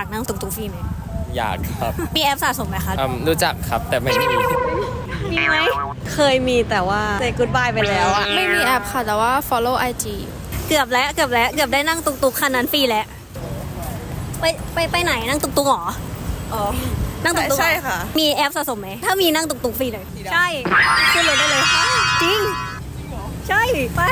ากนั่งตุกๆฟรีไหมอยากครับมีแอปสะสมไหมคะรู้จักครับแต่ไม่มีมีไหมเคยมีแต่ว่า say goodbye ไปแล้วอะไม่มีแอปค่ะ แต่ว่า follow IG เกือบได้นั่งตุกๆคันนั้นฟรีแล้วไปไหนนั่งตุกๆหรออ๋อนั่งตุกๆใช่ค่ะมีแอปสะสมไหมถ้ามีนั่งตุกๆฟรีเลยใช่ขึ้นเลยได้เลยจริงใช่ไป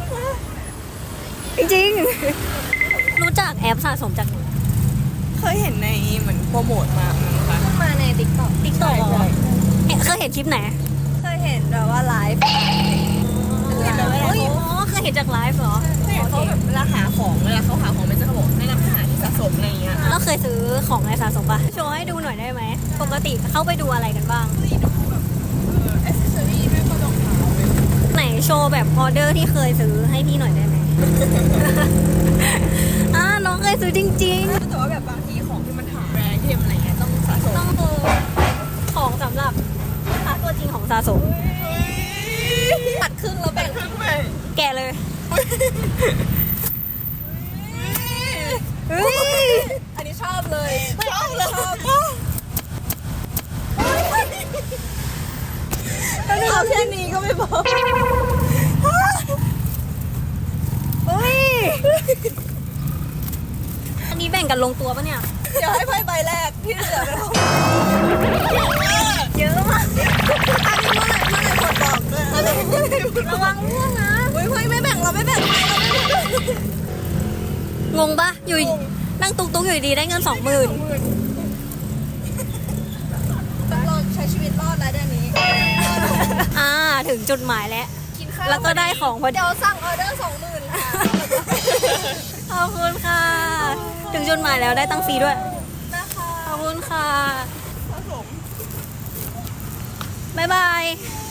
จริงๆรู้จักแอปสะสมจากไหนเคยเห็นในเหมือนโปรโมทมานะคะมาใน TikTok เคยเห็นคลิปไหนเคยเห็นแบบว่าไลฟ์เคยเห็นจากไลฟ์เหรอเขาแบบเวลาหาของเวลาเขาหาของมันจะเขาบอกแนะนำให้หาที่สะสมอะไรอย่างเงี้ยแล้วเคยซื้อของในสะสมปะโชว์ให้ดูหน่อยได้ไหมปกติเข้าไปดูอะไรกันบ้างแอคเซสซอรี่ไม่ก็รองเท้าไหนโชว์แบบออเดอร์ที่เคยซื้อให้พี่หน่อยได้ไหม น้องเคยซื้อจริงแต่ว่าแบบบางทีของที่มันหาแบรนด์เทมอะไรเงี้ยต้องสะสมๆต้องคือของสำหรับลูกค้าตัวจริงของสะสมตัดครึ่งแล้วแบ่งครึ่งไปแกะเลยอันนี้ชอบเลยชอบเลยเอาแค่นี้ก็ไม่พออันนี้แบ่งกันลงตัวปะเนี่ยเดี๋ยวให้ไพ่ใบแรกที่เหลือเป็นของเยอะมากอันนี้เมื่อไหร่กดบอกด้วยระวังร่วงนะเฮ้ยไม่แบ่งเราไม่แบ่งงงปะอยู่นั่งตุ๊กๆอยู่ดีๆได้เงิน 20,000 เราใช้ชีวิตรอดแล้วเดือนนี้ถึงจุดหมายแล้วกินข้าวแล้วก็ได้ของพอดีเดี๋ยวสั่งออเดอร์ 20,000ค่ะขอบคุณค่ะ ถึงจุดหมายแล้วได้ตังค์ฟรีด้วยนะคะขอบคุณค่ะผสมบ๊ายบายบ